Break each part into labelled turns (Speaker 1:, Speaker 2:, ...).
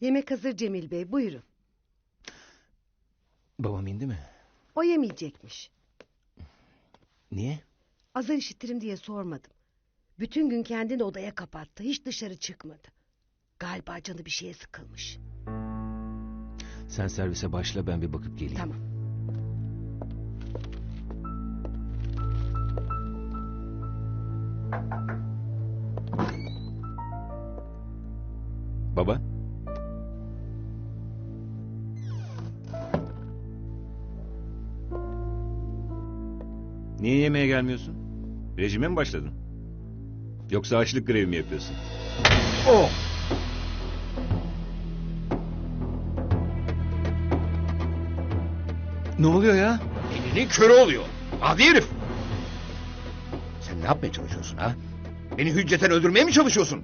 Speaker 1: Yemek hazır Cemil Bey, buyurun.
Speaker 2: Babam indi mi?
Speaker 1: O yemeyecekmiş.
Speaker 2: Niye?
Speaker 1: Azar işitirim diye sormadım. Bütün gün kendini odaya kapattı. Hiç dışarı çıkmadı. Galiba canı bir şeye sıkılmış.
Speaker 2: Sen servise başla, ben bir bakıp geleyim.
Speaker 1: Tamam.
Speaker 2: Baba? Niye yemeğe gelmiyorsun? Rejime mi başladın? Yoksa açlık grevi mi yapıyorsun? Oh! Ne oluyor ya?
Speaker 3: Elinin körü oluyor. Adi herif. Sen ne yapmaya çalışıyorsun ha? Beni hücceten öldürmeye mi çalışıyorsun?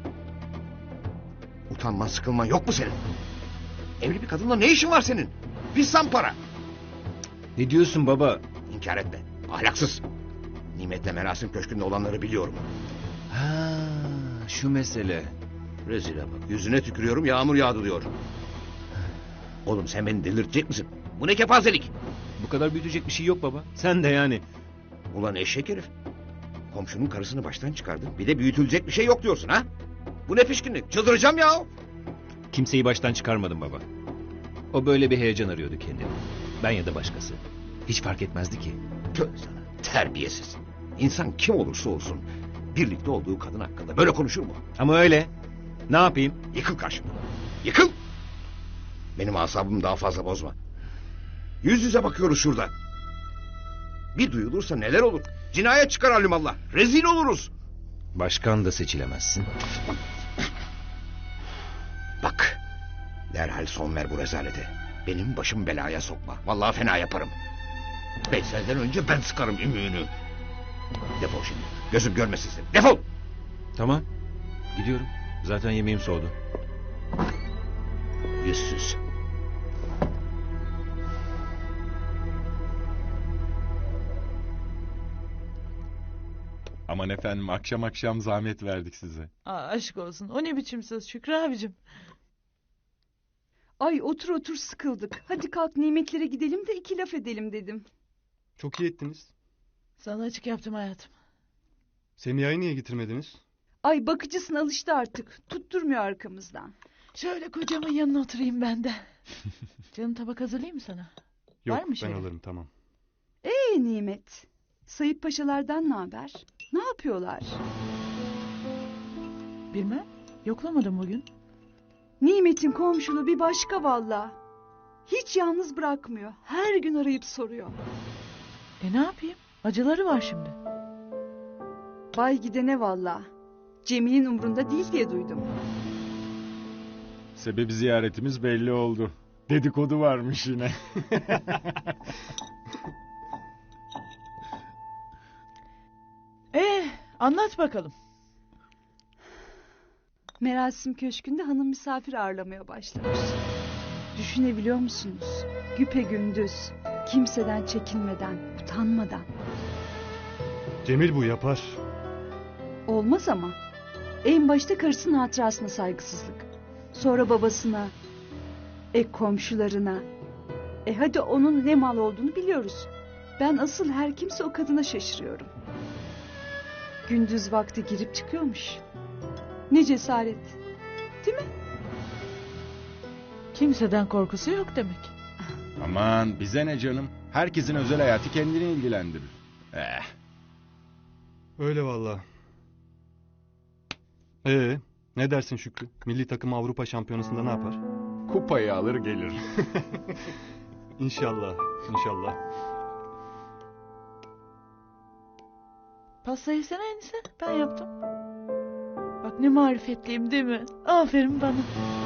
Speaker 3: Utanman sıkılman yok mu senin? Evli bir kadınla ne işin var senin? Pis zampara.
Speaker 2: Ne diyorsun baba?
Speaker 3: İnkar etme. Ahlaksız. Nimet'le Merasim Köşkü'nde olanları biliyorum.
Speaker 2: Ha, şu mesele.
Speaker 3: Rezile bak. Yüzüne tükürüyorum, yağmur yağdı diyor. Oğlum sen beni delirtecek misin? Bu ne kepazelik?
Speaker 2: Bu kadar büyütecek bir şey yok baba. Sen de yani.
Speaker 3: Ulan eşek herif. Komşunun karısını baştan çıkardın. Bir de büyütülecek bir şey yok diyorsun ha? Bu ne pişkinlik? Çıldıracağım ya.
Speaker 2: Kimseyi baştan çıkarmadım baba. O böyle bir heyecan arıyordu kendini. Ben ya da başkası. Hiç fark etmezdi ki.
Speaker 3: Tövbe sana. Terbiyesiz. İnsan kim olursa olsun birlikte olduğu kadın hakkında böyle konuşur mu?
Speaker 2: Ama öyle. Ne yapayım?
Speaker 3: Yıkıl karşımdan. Yıkıl. Benim asabımı daha fazla bozma. Yüz yüze bakıyoruz şurada. Bir duyulursa neler olur? Cinayet çıkar alimallah. Rezil oluruz.
Speaker 2: Başkan da seçilemezsin.
Speaker 3: Bak. Derhal son ver bu rezalete. Benim başım belaya sokma. Vallahi fena yaparım. Veysel'den önce ben sıkarım ümüğünü. Defol şimdi. Gözüm görmesin seni. Defol.
Speaker 2: Tamam. Gidiyorum. Zaten yemeğim soğudu.
Speaker 3: Yüzsüz.
Speaker 4: Aman efendim, akşam akşam zahmet verdik size.
Speaker 5: Aşk olsun. O ne biçim söz Şükrü abicim?
Speaker 6: Ay otur otur sıkıldık. Hadi kalk nimetlere gidelim de 2 laf edelim dedim.
Speaker 7: Çok iyi ettiniz.
Speaker 5: Sana açık yaptım hayatım.
Speaker 7: Semiha'yı niye getirmediniz?
Speaker 6: Ay bakıcısın alıştı artık. Tutturmuyor arkamızdan.
Speaker 5: Şöyle kocamın yanına oturayım ben de. Canım tabak hazırlayayım mı sana?
Speaker 7: Yok,
Speaker 5: Var mı
Speaker 7: ben
Speaker 5: şey?
Speaker 7: alırım, tamam.
Speaker 6: Nimet. Sayıp paşalardan ne haber? Ne yapıyorlar?
Speaker 5: Bilmem. Yoklamadım bugün.
Speaker 6: Nimet'in komşuluğu bir başka valla. Hiç yalnız bırakmıyor. Her gün arayıp soruyor.
Speaker 5: Ne yapayım? Acıları var şimdi.
Speaker 6: Bay gidene valla. Cemil'in umrunda değil diye duydum.
Speaker 4: Sebebi ziyaretimiz belli oldu. Dedikodu varmış yine.
Speaker 5: Anlat bakalım.
Speaker 6: Merasim Köşkü'nde hanım misafir ağırlamaya başlamış. Düşünebiliyor musunuz? Güpegündüz, kimseden çekinmeden, utanmadan.
Speaker 7: Cemil bu yapar.
Speaker 6: Olmaz ama. En başta karısının hatırasına saygısızlık. Sonra babasına, komşularına. Hadi onun ne mal olduğunu biliyoruz. Ben asıl her kimse o kadına şaşırıyorum. Gündüz vakti girip çıkıyormuş. Ne cesaret. Değil mi?
Speaker 5: Kimseden korkusu yok demek.
Speaker 4: Aman bize ne canım. Herkesin özel hayatı kendini ilgilendirir.
Speaker 7: Öyle valla. Ne dersin Şükrü? Milli takım Avrupa Şampiyonası'nda ne yapar?
Speaker 4: Kupayı alır gelir.
Speaker 7: İnşallah, inşallah.
Speaker 5: Pasta yesene enişte. Ben yaptım. Bak ne marifetliyim değil mi? Aferin bana.